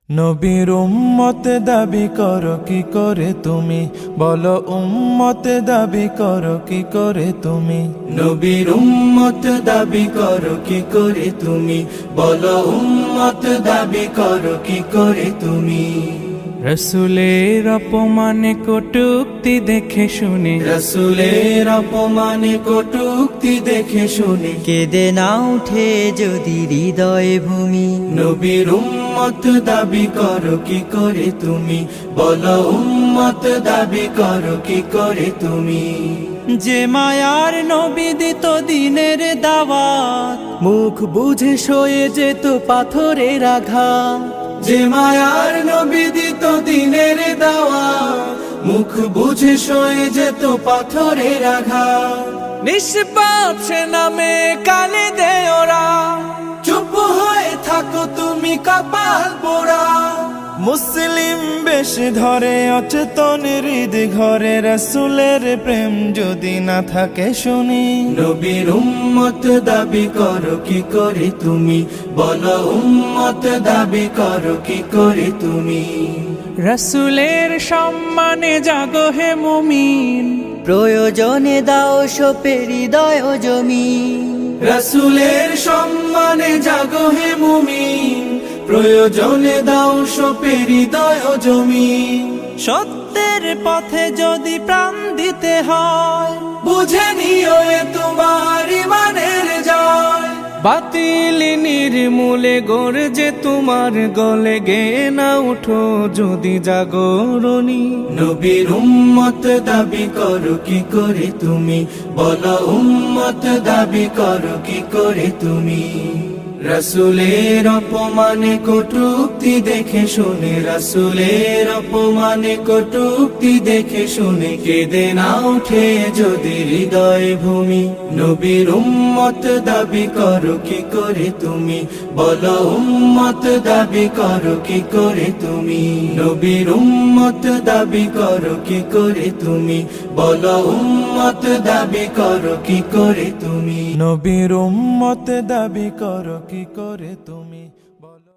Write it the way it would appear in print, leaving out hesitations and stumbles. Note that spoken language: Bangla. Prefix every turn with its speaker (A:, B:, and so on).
A: নবীর উম্মত দাবি করো কি করে তুমি, বলো উম্মত দাবি করো কি করে তুমি।
B: নবীর উম্মত দাবি করো কি করে তুমি, বলো উম্মত দাবি করো কি করে তুমি।
A: রসুলের অপমানে কটূক্তি দেখে শুনে,
B: রসুলের অপমানে কটূক্তি দেখে শুনে
C: কেঁদে না উঠে যদি হৃদয় ভূমি।
B: নবীর উম্মত দাবি করো কি করে তুমি, বলো উম্মত দাবি করো কি করে তুমি।
C: যে মায়ার নবী দিত দিনের দাওয়াত, মুখ বুঝে সয়ে যেত পাথরের আঘাত।
B: যে মায়ার নবী দিত দিনের দাওয়াত, মুখ বুঝে সয়ে যেত পাথরের আঘাত।
A: নিষ্পাপ সে নামে কালে দেয় ওরা,
B: চুপ হয়ে থাকো তুমি কপাল পোড়া।
A: মুসলিম বেশ ধরে অচেতন হৃদ ঘরে, রসুলের প্রেম যদি না থাকে শুনি।
B: নবীর উম্মত দাবি করো কি করে তুমি, বলো উম্মত দাবি করো কি করে তুমি।
A: রসুলের সম্মানে জাগো হে মুমিন,
C: প্রয়োজনে দাও সোপে হৃদয় জমিন।
B: রসুলের সম্মানে জাগো হে মুমিন, প্রয়োজনে দাও সোপে হৃদয় জমিন।
C: সত্যের পথে যদি প্রাণ দিতে হয়,
B: বুঝে নিও এ তোমার ইমানের জয়।
A: বাতিল নির্মূলে গর্জে তোমার গলে, গে না উঠো যদি জাগরণী।
B: নবীর উম্মত দাবি করো কি করে তুমি, বলো উম্মত দাবি করো কি করে তুমি। রসুলের অপমানে কটূক্তি দেখে শুনে, রসুলের অপমানে কটূক্তি দেখে শুনে কেঁদে না উঠে যদি হৃদয় ভূমি। নবীর উম্মত দাবি করো কি করে তুমি, বলো উম্মত দাবি করো কি করে তুমি। নবীর উম্মত দাবি করো কি করে তুমি, বলো উম্মত দাবি করো কি করে তুমি।
A: নবীর উম্মত দাবি করো কি করে তুমি।